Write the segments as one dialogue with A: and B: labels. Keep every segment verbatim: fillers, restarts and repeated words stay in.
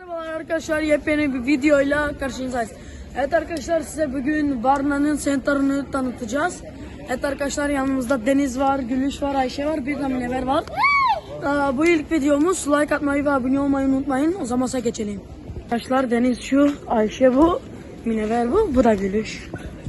A: Merhabalar arkadaşlar, yepyeni bir videoyla karşınızdayız. Evet arkadaşlar, size bugün Varna'nın center'ını tanıtacağız. Evet arkadaşlar, yanımızda Deniz var, Gülüş var, Ayşe var, bir de Münevver var. Ee, bu ilk videomuz. Like atmayı ve abone olmayı unutmayın. O zaman geçelim. Arkadaşlar, Deniz şu, Ayşe bu, Münevver bu, bu da Gülüş.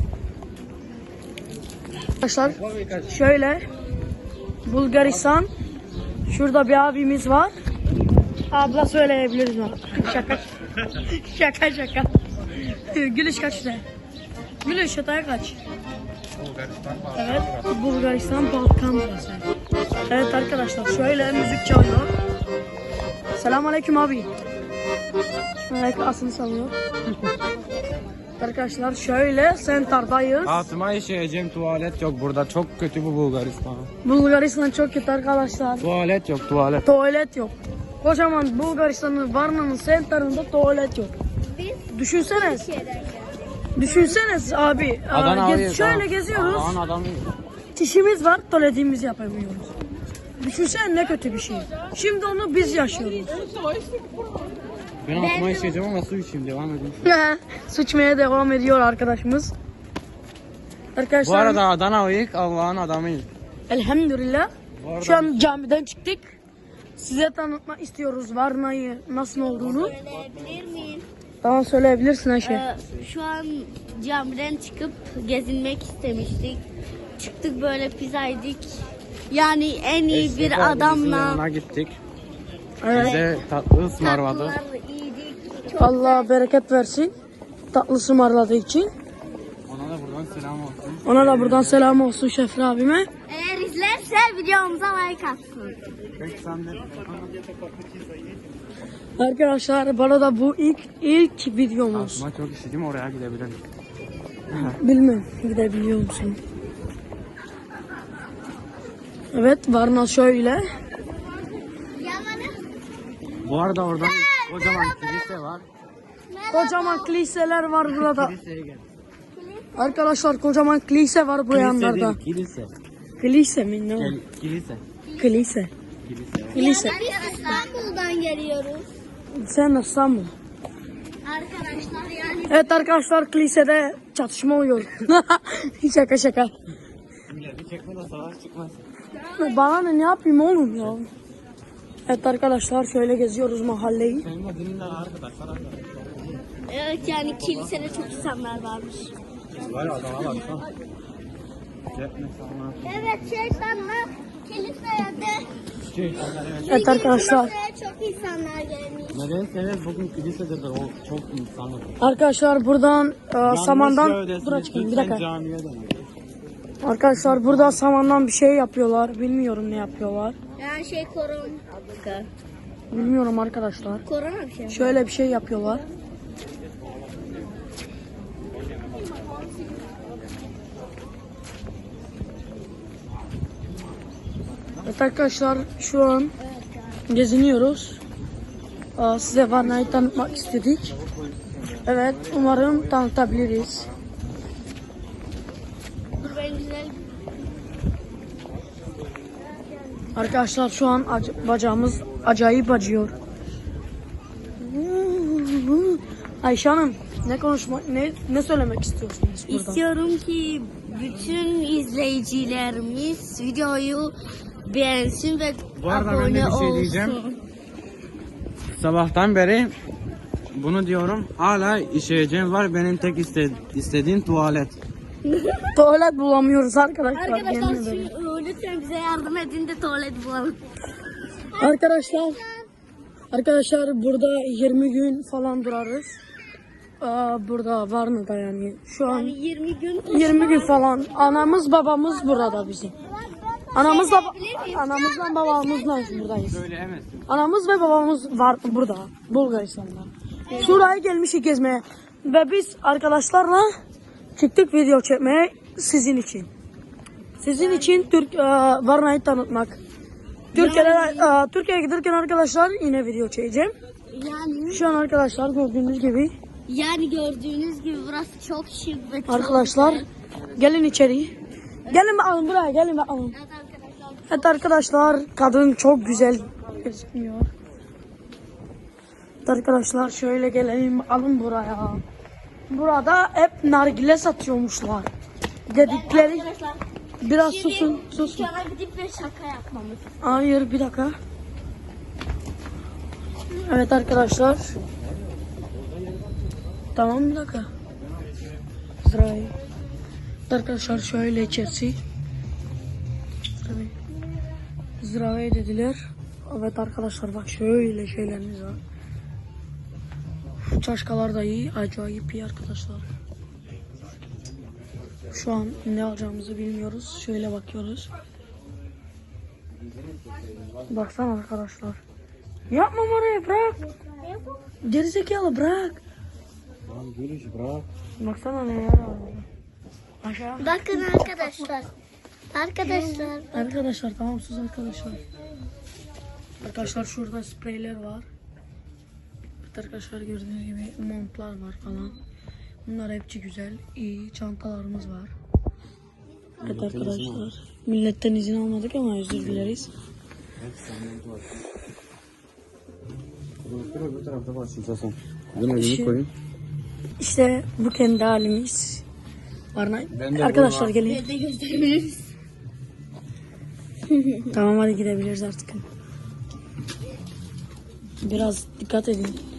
A: Arkadaşlar şöyle Bulgaristan, şurada bir abimiz var. Abla söyleyebiliriz mi? Şaka şaka şaka. Gülüş kaç ne? Gülüş yatağa kaç?
B: Bulgaristan,
A: Evet, Bulgaristan Balkan burası. Evet arkadaşlar, şöyle müzik çalıyor. Selamünaleyküm abi. Aleyküm asını sallıyor. Arkadaşlar şöyle centerdayız.
B: altıma işeyeceğim, tuvalet yok burada, çok kötü bu Bulgaristan.
A: Bulgaristan çok kötü arkadaşlar.
B: Tuvalet yok, tuvalet.
A: Tuvalet yok. Kocaman Bulgaristan'ın Varna'nın center'ında tuvalet yok. Düşünseniz. Düşünseniz abi.
B: Adana
A: Gez,
B: arıyor,
A: şöyle
B: tamam.
A: geziyoruz.
B: Aman adamı.
A: Çişimiz var, tuvaletimizi yapamıyoruz. Düşünsene ne kötü bir şey. Şimdi onu biz yaşıyoruz.
B: Ben altıma işeyeceğim ama su içeyim, devam edeyim.
A: Sıçmaya devam ediyor arkadaşımız. Arkadaşlar,
B: Bu arada Adana uyuk, Allah'ın adamıyım.
A: elhamdülillah.
B: arada-
A: Şu an camiden çıktık. Size tanıtmak istiyoruz Varna'yı nasıl olduğunu.
C: Söyleyebilir miyim?
A: Tamam, söyleyebilirsin Ayşe.
C: Ee, şu an camiden çıkıp gezinmek istemiştik. Çıktık böyle pizza yedik. Yani en iyi
B: Eski
C: bir
B: kardeşimizin
C: adamla
B: yanına gittik.
A: Evet.
B: Bize tatlı ısmarladı.
C: tatlılar yedik. Çok
A: Allah bereket versin. Tatlı ısmarladığı için.
B: Ona da buradan selam olsun.
A: Ona da buradan selam olsun Şefri abime.
C: Eğer izlerse videomuza like atsın.
B: Peki sen de.
A: Arkadaşlar, bana da bu ilk ilk videomuz.
B: Altıma çok işedim, oraya gidebilirim.
A: Bilmem gidebiliyor musun? Evet, Varna şöyle.
B: Bu arada oradan kocaman kilise var.
A: Kocaman kiliseler var burada.
B: Kiliseye gel.
A: Arkadaşlar, kocaman kilise var bu
B: Kilise
A: yanlarda.
B: değil, kilise.
A: Kilise mi ne o?
B: Gel, kilise.
A: Kilise.
B: Kilise.
A: Kilise.
C: Biz İstanbul'dan geliyoruz.
A: Sen İstanbul.
C: Arkadaşlar yani
A: Evet arkadaşlar, kilisede çatışma oluyor. Şaka şaka.
B: Bir çekme de savaş çıkmaz.
A: Bana ne, ne yapayım oğlum ya? Evet arkadaşlar, şöyle geziyoruz mahalleyi.
B: Senin adının arkadaşlar var.
C: evet yani kilisede çok insanlar varmış.
B: Var adama bak. Cepne sana.
C: Evet şeytanlar kiliseye de
B: Şey,
A: Evet arkadaşlar.
C: kiliseye çok insanlar gelmiş.
B: neden evet bugün kilisededir o çok insanlık.
A: Arkadaşlar buradan e, samandan
B: Yalnız
A: dur açayım bir dakika.
B: Camiye dön.
A: Arkadaşlar burada samandan bir şey yapıyorlar. Bilmiyorum ne yapıyorlar.
C: Yani şey korona.
A: Bilmiyorum arkadaşlar.
C: Korona bir şey.
A: Şöyle bir şey yapıyorlar. Evet arkadaşlar, şu an geziniyoruz. Aa, size Varna'yı tanıtmak istedik. Evet, umarım tanıtabiliriz.
C: Dur ben güzel.
A: Arkadaşlar şu an ac- bacağımız acayip acıyor. Ayşe Hanım, ne konuşma ne ne söylemek istiyorsunuz burada?
C: İstiyorum ki bütün izleyicilerimiz videoyu beğensin ve
B: Bu arada ben de
C: abone
B: bir şey
C: olsun.
B: diyeceğim. Sabahtan beri bunu diyorum. Hala işeyeceğim var. Benim tek iste istediğim tuvalet.
A: Tuvalet bulamıyoruz arkadaşlar.
C: Arkadaşlar
A: yemin ederim.
C: şu, lütfen bize yardım edin de tuvalet bulalım.
A: Arkadaşlar, arkadaşlar burada yirmi gün falan durarız. Aa, burada Varna'da yani. Şu an
C: Yani yirmi gün.
A: yirmi gün falan. Anamız babamız burada bizim. Anamızla anamızla babamızla buradayız.
B: Söyleyemezsin.
A: Anamız ve babamız var burada, Bulgaristan'da. Şuraya gelmişik gezmeye ve biz arkadaşlarla çıktık video çekmeye sizin için. Sizin için Türk e, Varna'yı tanıtmak. Türkiye'de e, Türkiye'ye giderken arkadaşlar yine video çekeceğim.
C: Yani
A: Şu an arkadaşlar gördüğünüz gibi
C: yani gördüğünüz gibi burası çok şık ve çok
A: arkadaşlar
C: güzel.
A: gelin içeri. Gelin bakalım buraya, gelin bakalım.
C: Evet arkadaşlar.
A: Evet arkadaşlar, kadın çok güzel gözüküyor. Arkadaşlar şöyle gelelim alın buraya. Burada hep nargile satıyormuşlar. Dedikleri
C: Arkadaşlar
A: biraz
C: şimdi
A: susun susun.
C: dükkana gidip bir şaka yapmamız.
A: Hayır bir dakika. Evet arkadaşlar. Tamam bir dakika. Zdravey. Arkadaşlar şöyle içerisi. Zdravey. Zdravey dediler. Evet arkadaşlar bak şöyle şeylerimiz var. Çaşkalar da iyi. Acayip iyi arkadaşlar. Şu an ne alacağımızı bilmiyoruz. Şöyle bakıyoruz. Baksana arkadaşlar. Yapma oraya bırak. Gerizekalı bırak.
B: Lan gülüş bırak.
A: Baksana ne yer var. Aşağı.
C: Bakın arkadaşlar. Arkadaşlar.
A: Arkadaşlar tamam sus arkadaşlar. Arkadaşlar şurada spreyler var. Evet arkadaşlar gördüğünüz gibi montlar var falan. Bunlar hepsi güzel. İyi çantalarımız var. Evet arkadaşlar. Milletten izin almadık ama özür dileriz.
B: Bu tarafta var sen. Bunu elini koyun.
A: İşte bu kendi halimiz. Varna.
B: Ben de
A: Arkadaşlar
B: bu-
A: gelin.
C: de gösterebiliriz.
A: Tamam hadi gidebiliriz artık. Biraz dikkat edin.